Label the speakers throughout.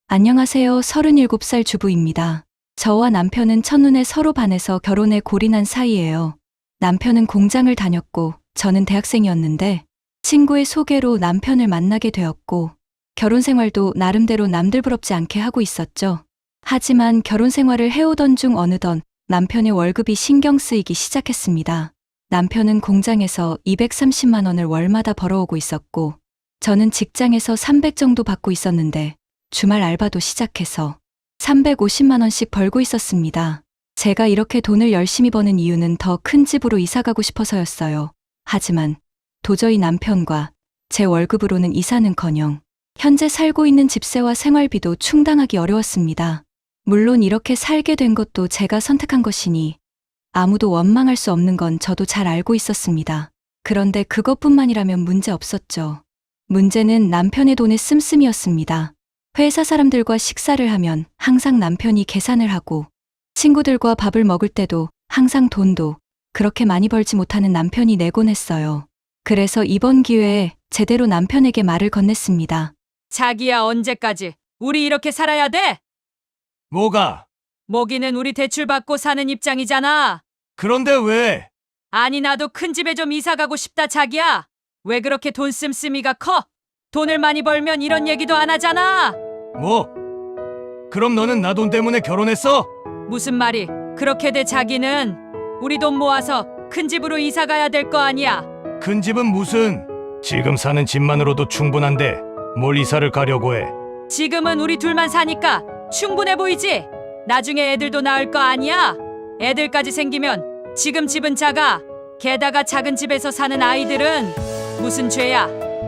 Speaker 1: 안녕하세요. 37살 주부입니다. 저와 남편은 첫눈에 서로 반해서 결혼에 골인한 사이예요. 남편은 공장을 다녔고 저는 대학생이었는데 친구의 소개로 남편을 만나게 되었고 결혼 생활도 나름대로 남들 부럽지 않게 하고 있었죠. 하지만 결혼 생활을 해오던 중 어느덧 남편의 월급이 신경 쓰이기 시작했습니다. 남편은 공장에서 230만 원을 월마다 벌어오고 있었고 저는 직장에서 300 정도 받고 있었는데 주말 알바도 시작해서 350만 원씩 벌고 있었습니다. 제가 이렇게 돈을 열심히 버는 이유는 더 큰 집으로 이사가고 싶어서였어요. 하지만 도저히 남편과 제 월급으로는 이사는커녕 현재 살고 있는 집세와 생활비도 충당하기 어려웠습니다. 물론 이렇게 살게 된 것도 제가 선택한 것이니 아무도 원망할 수 없는 건 저도 잘 알고 있었습니다. 그런데 그것뿐만이라면 문제 없었죠. 문제는 남편의 돈의 씀씀이었습니다. 회사 사람들과 식사를 하면 항상 남편이 계산을 하고 친구들과 밥을 먹을 때도 항상 돈도 그렇게 많이 벌지 못하는 남편이 내곤 했어요. 그래서 이번 기회에 제대로 남편에게 말을 건넸습니다.
Speaker 2: 자기야, 언제까지 우리 이렇게 살아야 돼?
Speaker 3: 뭐가?
Speaker 2: 모기는 우리 대출 받고 사는 입장이잖아.
Speaker 3: 그런데 왜?
Speaker 2: 아니, 나도 큰 집에 좀 이사 가고 싶다. 자기야, 왜 그렇게 돈 씀씀이가 커? 돈을 많이 벌면 이런 얘기도 안 하잖아.
Speaker 3: 뭐? 그럼 너는 나 돈 때문에 결혼했어?
Speaker 2: 무슨 말이 그렇게 돼? 자기는 우리 돈 모아서 큰 집으로 이사 가야 될 거 아니야.
Speaker 3: 큰 집은 무슨? 지금 사는 집만으로도 충분한데 뭘 이사를 가려고 해?
Speaker 2: 지금은 우리 둘만 사니까 충분해 보이지? 나중에 애들도 낳을 거 아니야? 애들까지 생기면 지금 집은 작아. 게다가 작은 집에서 사는 아이들은 무슨 죄야?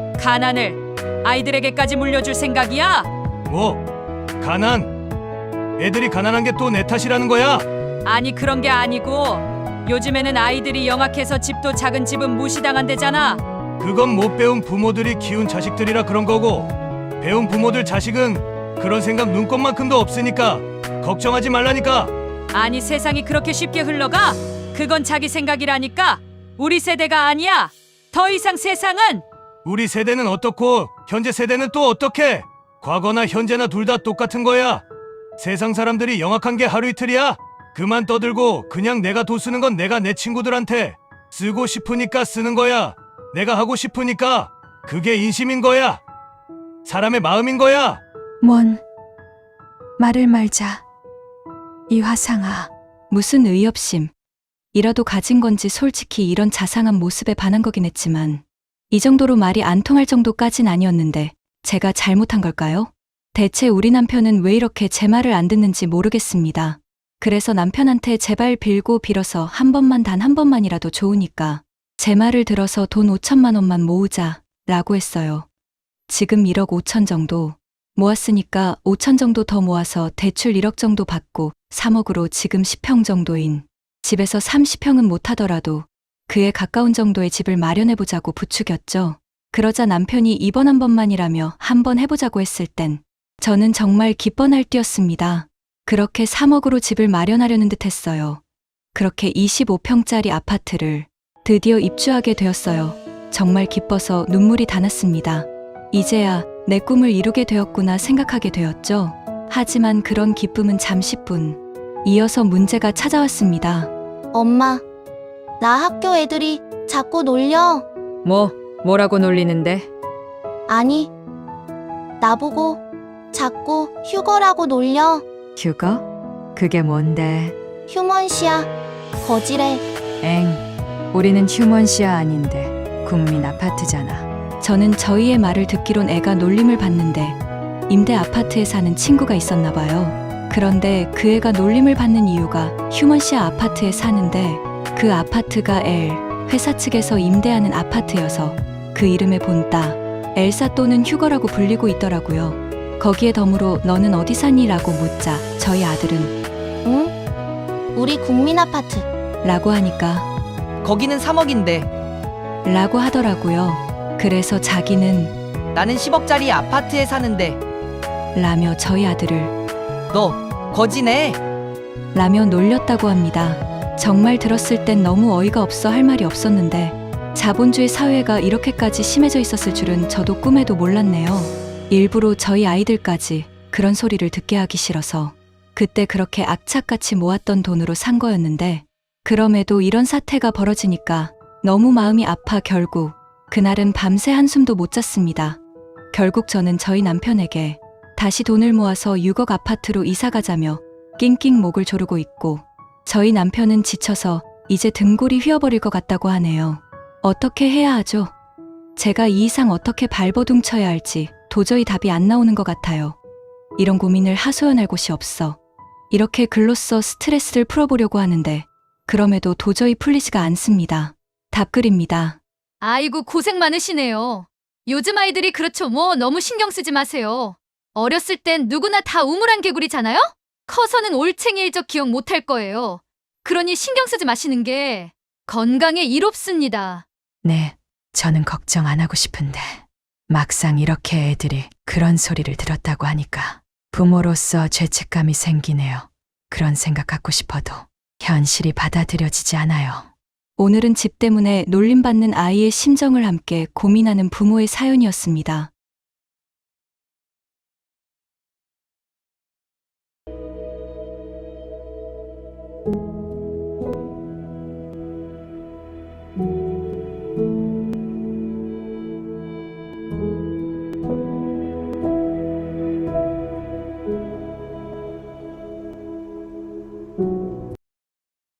Speaker 2: 가난을 아이들에게까지 물려줄 생각이야?
Speaker 3: 뭐? 가난? 애들이 가난한 게 또 내 탓이라는 거야?
Speaker 2: 아니, 그런 게 아니고 요즘에는 아이들이 영악해서 집도 작은 집은 무시당한대잖아.
Speaker 3: 그건 못 배운 부모들이 키운 자식들이라 그런 거고 배운 부모들 자식은 그런 생각 눈꼽만큼도 없으니까 걱정하지 말라니까.
Speaker 2: 아니, 세상이 그렇게 쉽게 흘러가? 그건 자기 생각이라니까. 우리 세대가 아니야. 더 이상 세상은
Speaker 3: 우리 세대는 어떻고 현재 세대는 또 어떻게? 과거나 현재나 둘 다 똑같은 거야. 세상 사람들이 영악한 게 하루 이틀이야? 그만 떠들고 그냥 내가 돈 쓰는 건 내가 내 친구들한테 쓰고 싶으니까 쓰는 거야. 내가 하고 싶으니까. 그게 인심인 거야. 사람의 마음인 거야.
Speaker 4: 뭔 말을 말자. 이화상아,
Speaker 1: 무슨 의협심. 이라도 가진 건지 솔직히 이런 자상한 모습에 반한 거긴 했지만 이 정도로 말이 안 통할 정도까진 아니었는데 제가 잘못한 걸까요? 대체 우리 남편은 왜 이렇게 제 말을 안 듣는지 모르겠습니다. 그래서 남편한테 제발 빌고 빌어서 한 번만, 단 한 번만이라도 좋으니까 제 말을 들어서 돈 5천만 원만 모으자 라고 했어요. 지금 1억 5천 정도 모았으니까 5천 정도 더 모아서 대출 1억 정도 받고 3억으로 지금 10평 정도인 집에서 30평은 못하더라도 그에 가까운 정도의 집을 마련해보자고 부추겼죠. 그러자 남편이 이번 한 번만이라며 한 번 해보자고 했을 땐 저는 정말 기뻐 날뛰었습니다. 그렇게 3억으로 집을 마련하려는 듯 했어요. 그렇게 25평짜리 아파트를 드디어 입주하게 되었어요. 정말 기뻐서 눈물이 다 났습니다. 이제야 내 꿈을 이루게 되었구나 생각하게 되었죠. 하지만 그런 기쁨은 잠시뿐. 이어서 문제가 찾아왔습니다.
Speaker 5: 엄마, 나 학교 애들이 자꾸 놀려.
Speaker 2: 뭐라고 놀리는데?
Speaker 5: 아니, 나보고 자꾸 휴거라고 놀려.
Speaker 4: 휴거? 그게 뭔데?
Speaker 5: 휴먼시아, 거지래.
Speaker 4: 엥, 우리는 휴먼시아 아닌데 국민 아파트잖아.
Speaker 1: 저는 저희의 말을 듣기론 애가 놀림을 받는데 임대 아파트에 사는 친구가 있었나 봐요. 그런데 그 애가 놀림을 받는 이유가 휴먼시아 아파트에 사는데 그 아파트가 회사 측에서 임대하는 아파트여서 그 이름에 본따 엘사 또는 휴거라고 불리고 있더라고요. 거기에 덤으로 너는 어디 사니? 라고 묻자 저희 아들은
Speaker 5: 응? 우리 국민 아파트.
Speaker 1: 라고 하니까
Speaker 6: 거기는 3억인데
Speaker 1: 라고 하더라고요. 그래서 자기는
Speaker 6: 나는 10억짜리 아파트에 사는데
Speaker 1: 라며 저희 아들을
Speaker 6: 너 거지네.
Speaker 1: 라며 놀렸다고 합니다. 정말 들었을 땐 너무 어이가 없어 할 말이 없었는데 자본주의 사회가 이렇게까지 심해져 있었을 줄은 저도 꿈에도 몰랐네요. 일부러 저희 아이들까지 그런 소리를 듣게 하기 싫어서 그때 그렇게 악착같이 모았던 돈으로 산 거였는데 그럼에도 이런 사태가 벌어지니까 너무 마음이 아파 결국 그날은 밤새 한숨도 못 잤습니다. 결국 저는 저희 남편에게 다시 돈을 모아서 6억 아파트로 이사 가자며 낑낑 목을 조르고 있고 저희 남편은 지쳐서 이제 등골이 휘어버릴 것 같다고 하네요. 어떻게 해야 하죠? 제가 이 이상 어떻게 발버둥 쳐야 할지 도저히 답이 안 나오는 것 같아요. 이런 고민을 하소연할 곳이 없어 이렇게 글로써 스트레스를 풀어보려고 하는데 그럼에도 도저히 풀리지가 않습니다. 답글입니다.
Speaker 7: 아이고, 고생 많으시네요. 요즘 아이들이 그렇죠. 뭐 너무 신경 쓰지 마세요. 어렸을 땐 누구나 다 우물안 개구리잖아요? 커서는 올챙이일 적 기억 못할 거예요. 그러니 신경 쓰지 마시는 게 건강에 이롭습니다.
Speaker 4: 네, 저는 걱정 안 하고 싶은데 막상 이렇게 애들이 그런 소리를 들었다고 하니까 부모로서 죄책감이 생기네요. 그런 생각 갖고 싶어도 현실이 받아들여지지 않아요.
Speaker 1: 오늘은 집 때문에 놀림받는 아이의 심정을 함께 고민하는 부모의 사연이었습니다.